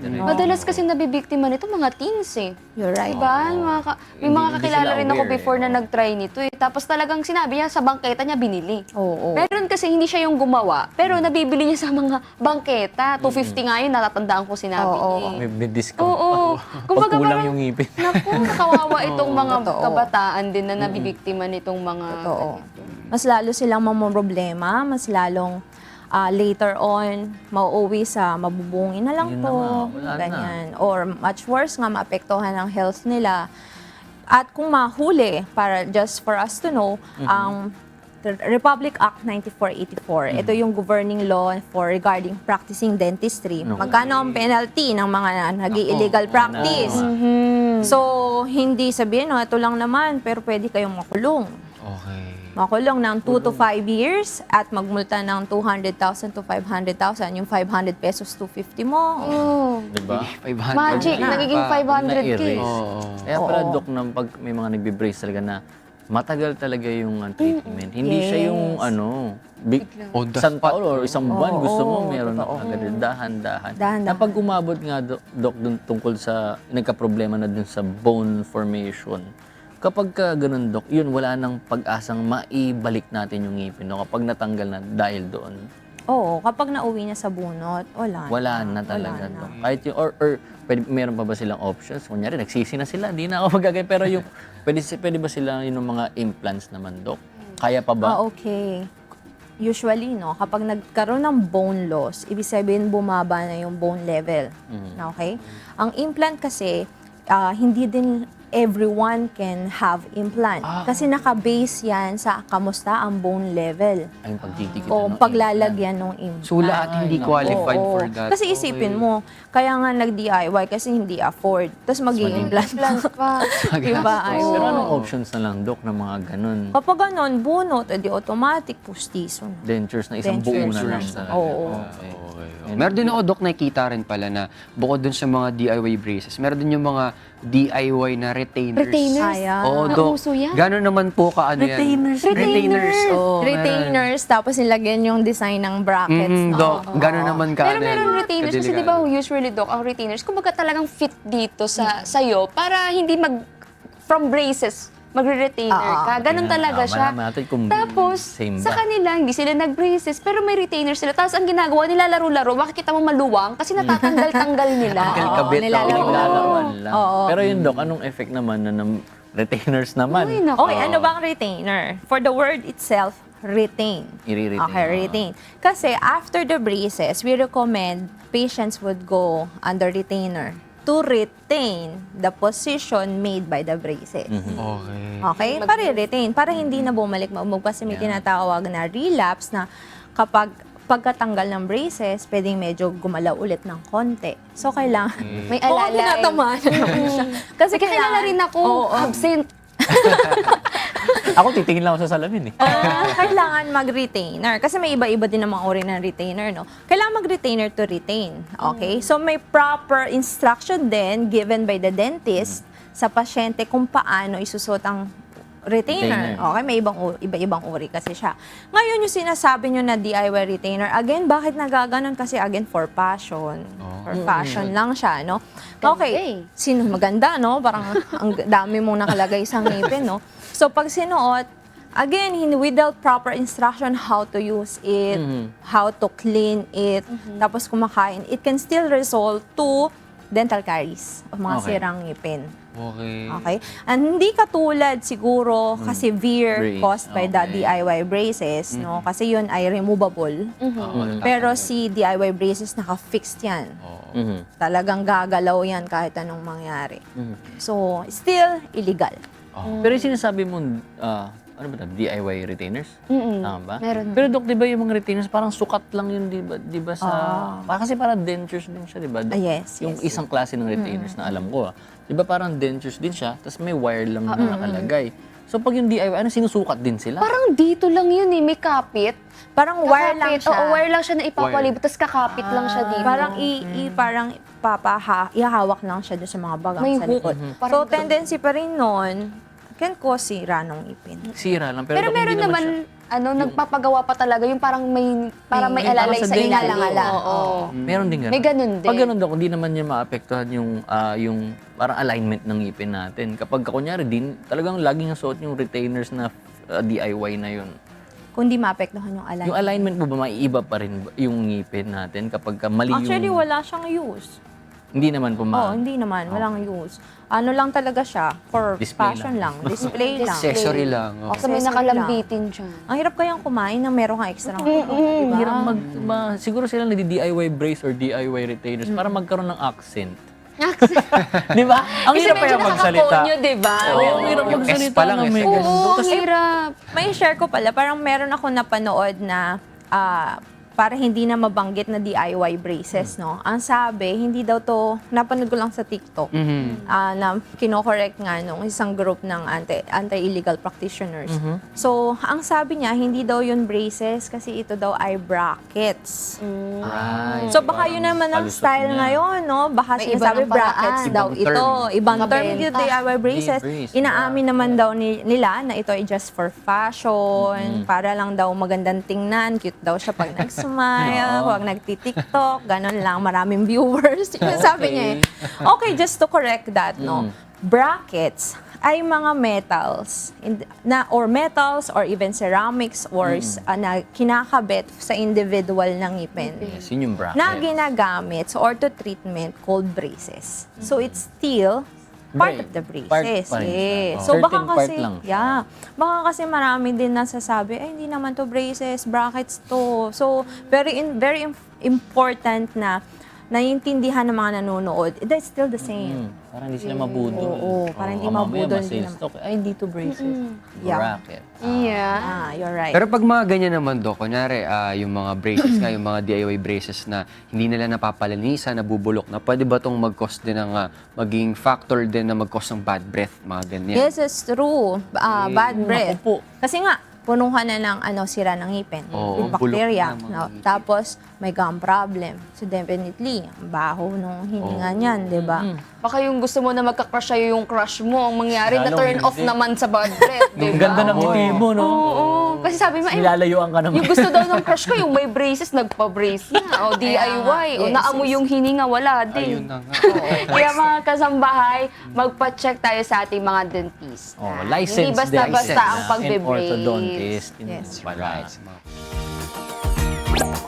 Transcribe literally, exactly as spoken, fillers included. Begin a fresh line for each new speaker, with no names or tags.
dire.
Madalas kasi nabibiktima nito mga teens eh.
You're right.
Diba? Mga ka- may
Hindi-
mga
hindi
kakilala
sila
rin ako
aware,
before
eh.
na nag-try nito eh. Tapos talagang sinabi niya sa bangketa niya binili.
Oo.
Meron kasi hindi siya yung gumawa, pero nabibili niya sa mga bangketa. two fifty nga yun, natatandaan ko sinabi
Oo,
niya. eh.
May, may discount
Oo.
pa.
Kumbaga
Pag kulang
parang-
yung ngipin.
Naku, kawawa itong mga
Totoo.
kabataan din na nabibiktima nitong mga...
Totoo. Mas lalo silang mamroblema, mas lalong ah, later on, mauuwi sa mabubungin na lang
Yun na
po,
nga, wala na.
ganyan. Or much worse nga, maapektuhan ang health nila. At kung mahuli, para just for us to know, ang the Republic Act ninety-four eighty-four, ito yung governing law for regarding practicing dentistry.
Okay.
Magkano ang penalty ng mga nag-illegal practice?
Ano?
So, hindi sabihin, no, ito lang naman, pero pwede kayong makulong.
Okay.
Makulong ng two to five years at magmulta ng two hundred thousand to five hundred thousand. Yung five hundred pesos, two fifty mo.
Oh,
Diba?
five hundred
magic,
na.
nagiging five hundred K.
Na-erase.
Oo.
Kaya pala,
Oo.
Dok, nang pag may mga nagbe-brace talaga na matagal talaga yung uh, treatment. Hindi siya yung
Yes.
ano, big,
On the
isang
spot.
taon or isang buwan,
Oo,
gusto mo,
oo,
meron na
totoo.
agad. Dahan-dahan.
Dahan-dahan.
Kapag umabot nga, Dok, Dok, dun, tungkol sa, nagka-problema na dun sa bone formation, kapag ka ganun, Dok, yun, wala nang pag-asang maibalik natin yung ngipin, no? Kapag natanggal na dahil doon,
Oo, kapag nauwi niya sa bunot, wala,
wala na talaga,
Wala na.
Dok. Kahit yung, or, or pwede, meron pa ba silang options? Kunyari, nagsisi na sila, di na ako magagay. Pero yung, pwede, pwede ba sila yung mga implants naman, Dok? Kaya pa ba?
Ah, okay. Usually, no, kapag nagkaroon ng bone loss, ibig sabihin bumaba na yung bone level.
Mhm.
Okay? Ang implant kasi, ah, hindi din everyone can have implant. Kasi naka-base yan sa kamusta ang bone level.
Ay, yung pagdidikit.
O
ano,
paglalagyan ng implant.
So lahat hindi
Ay,
qualified
Oo.
for that.
Kasi isipin mo, kaya nga nag-D I Y kasi hindi afford. Tapos mag-i-implant
Implant pa.
Diba? Ay,
Pero
oo.
anong options na lang, Dok, ng mga ganun?
Kapag ganon, bunot, edi automatic, pustiso na.
Dentures na isang
Dentures
buo na lang.
na.
Oo.
Okay. Meron din ako, Dok, nakikita rin pala na bukod dun sa mga D I Y braces, meron din yung mga D I Y na retainers.
Retainers?
Ayan.
Oo, Dok.
Nauso yan?
Gano'n naman po ka ano yan?
Retainers.
Retainers. Oo, meron.
Retainers, tapos nilagyan yung design ng brackets.
Mm,
no?
Dok, gano'n naman ka.
Pero meron retainers kasi di ba usually, Doc, ang retainers, kumbaga talagang fit dito sa sa'yo para hindi mag, from braces, magre-retainer
Oo.
ka. Ganun
Kaya,
talaga
ah,
siya.
malaman natin kung
Tapos,
same
sa
ba?
kanila, hindi sila nag-braces, pero may retainer sila. Tapos ang ginagawa nila, laro-laro, makikita mo maluwang kasi natatanggal-tanggal nila.
Tanggal
Oo,
kabit,
nilalaro.
oo, nilalarawan lang.
Oo.
Pero yun, Dok, anong effect naman na ng retainers naman?
Ay, naku.
Okay, ano bang retainer? For the word itself, retain.
I-retain.
Okay, retain. Kasi after the braces, we recommend patients would go under retainer to retain the position made by the braces.
Okay.
Okay? Para retain, para hindi na bumalik maumog kasi may
Yeah.
tinatawag na relapse na kapag pagkatanggal ng braces, pwedeng medyo gumalaw ulit ng konti. So, kailangan...
May
Oo,
alalay.
tinatamaan naman siya. Kasi
May kilala rin ako,
Oo.
absent.
Ako, titingin lang ako sa salamin eh.
Ah, kailangan mag-retainer. Kasi may iba-iba din namang uri ng retainer, no? Kailangan mag-retainer to retain. Okay? So, may proper instruction din given by the dentist sa pasyente kung paano isusot ang retainer.
Retainer.
Okay? May ibang, u- iba-ibang uri kasi siya. Ngayon, yung sinasabi nyo na D I Y retainer, again, bakit nagaganon? Kasi again, for passion. For fashion lang siya, no?
Ganda
Okay.
eh.
Sino maganda, no? Parang ang dami mong nakalagay sa ngipin, no? So, pag sinuot, again, hin- without proper instruction how to use it, how to clean it, tapos kumakain, it can still result to dental caries o mga
Okay.
sirang ngipin.
Okay.
Okay? And hindi katulad siguro kasi severe
Brace,
caused by the
okay.
D I Y braces, no? Kasi yun ay removable.
Oo,
Pero si D I Y braces, naka-fixed yan.
Mhm.
Talagang gagalaw yan kahit anong mangyari.
Mhm.
So, still illegal.
Pero yung sinasabi mo, ah, ano ba ito? D I Y retainers?
Mm-mm.
Tama ba?
Meron.
Pero Dok, di ba yung mga retainers, parang sukat lang yun, di ba? Di ba sa...
Ah.
Parang kasi parang dentures din siya, di ba? Dok?
Ah, yes,
Yung
yes.
isang klase ng retainers na alam ko, ah. Di ba parang dentures din siya, tapos may wire lang na nakalagay. So pag yung D I Y, ano, sinusukat din sila?
Parang dito lang yun eh, may kapit.
Parang wire lang
Kakapit.
siya.
Oo, wire lang siya na ipapalibot, tapos kakapit lang siya dito.
Parang i, i- parang papaha, ihawak lang siya doon sa mga bagang
May
sa
hook.
likod.
Mhm.
So,
Parang-
tendency pa rin nun, can cause sira ng ipin.
Sira lang. Pero,
Pero
Dok,
meron
hindi naman
naman,
siya-
ano, nagpapagawa pa talaga yung parang may, parang may
May-
alalay
parang
sa
sa
ilalim.
dingalangala.
Oo.
Meron din ganun.
May ganun din.
Pag ganun, Dok, hindi naman niya maapektuhan yung, ah, yung parang alignment ng ngipin natin. Kapag kunyari, din, talagang laging suot yung retainers na ah, D I Y na yun.
Kung di maapektuhan yung alignment.
Yung alignment mo ba, maiiba pa rin ba yung ngipin natin kapag ka mali
Actually,
yung...
wala siyang use.
Hindi naman po
Oo,
ma...
hindi naman. Walang use. Ano lang talaga siya, for
Display
fashion lang. Display lang.
Accessory lang. oh.
Basta may
Accessory
nakalambitin dyan.
Ang hirap kayang kumain na meron kang extra.
Ang hirap mag... ma- siguro sila nagdi-D I Y brace or D I Y retainers para magkaroon ng accent. Di ba? Ang
Kasi
hirap
medyo
kaya magsalita.
nakakakonyo, di ba?
Oo, ang hirap
Yung S
magsalita
pa lang
na
eh.
may
Oo,
ganun.
ang hirap.
May share ko pala, parang meron ako napanood na ah, para hindi na mabanggit na D I Y braces, no? Ang sabi, hindi daw to, napanood ko lang sa TikTok,
Mhm.
ah, na kinokorek nga nung isang group ng anti, anti-illegal practitioners.
Mhm.
So, ang sabi niya, hindi daw yun braces kasi ito daw ay brackets.
Right.
So baka yun naman ang
Palusot
style
niya.
ngayon, no? Baka
May
sinasabi
iba ng
brackets
paraan.
daw
Ibang
ito.
term.
Ibang term
Mabenta.
yung D I Y braces.
brace,
Inaamin naman daw ni- nila na ito ay just for fashion, para lang daw magandang tingnan, cute daw siya pag nag-smile,
Oo.
pag nagti-tiktok, ganun lang, maraming viewers. Yung sabi niya eh. Okay, just to correct that, no? Brackets ay mga metals in- na or metals or even ceramics or s- ah, na kinakabit sa individual ng ngipin
Yes, yun yung bracket.
na ginagamit sa ortho treatment called braces. So it's still part
Bra-
of the
part
braces.
pa rin siya.
Yes.
Oh.
So baka
Certain part
kasi,
lang siya.
yeah, baka kasi marami din nasasabi, ay hindi naman to braces, brackets to. So very in, very im- important na naiintindihan ng mga nanonood, that's still the same.
Hmm, parang hindi sila mabudol.
Oo, parang hindi
Oh, mamaya
mabudol
ma-sales
din
talk. Ay, hindi to braces.
Yeah.
Bracket.
Yeah.
Ah, you're right.
Pero pag mga ganyan naman, Dok, kunyari, ah, yung mga braces nga, yung mga D I Y braces na hindi nila napapalinisan, nabubulok na, pwede ba itong mag-cause din ng, ah, maging factor din na mag-cause ng bad breath, mga ganyan?
Yes, it's true. Ah, bad breath.
Naku po.
Kasi nga, punuhan na ng ano, sira ng ngipin.
Oo,
with
bulok
bacteria.
na mga
No?
ngipin.
Tapos, may gum problem. So, definitely, ang baho nung hininga niyan, di ba?
Baka yung gusto mo na magka-crush sa'yo yung crush mo, ang mangyari na
Lalong
turn off
hindi.
naman sa bad breath, di
Ang
ba?
ganda ng ngiti mo, no?
Oo. Kasi sabi mo, eh,
Nilalayuan ka naman.
yung gusto daw ng crush ko, yung may braces, nagpa-brace na. O D I Y. O
Yes,
naamoy yung hininga, wala din.
Ayun na nga.
Kaya mga kasambahay, magpa-check tayo sa ating mga dentista.
Oh, license
Hindi basta-basta
dentist
ang
and
pagbe-brace.
orthodontist.
Yes.
Pala.
Right.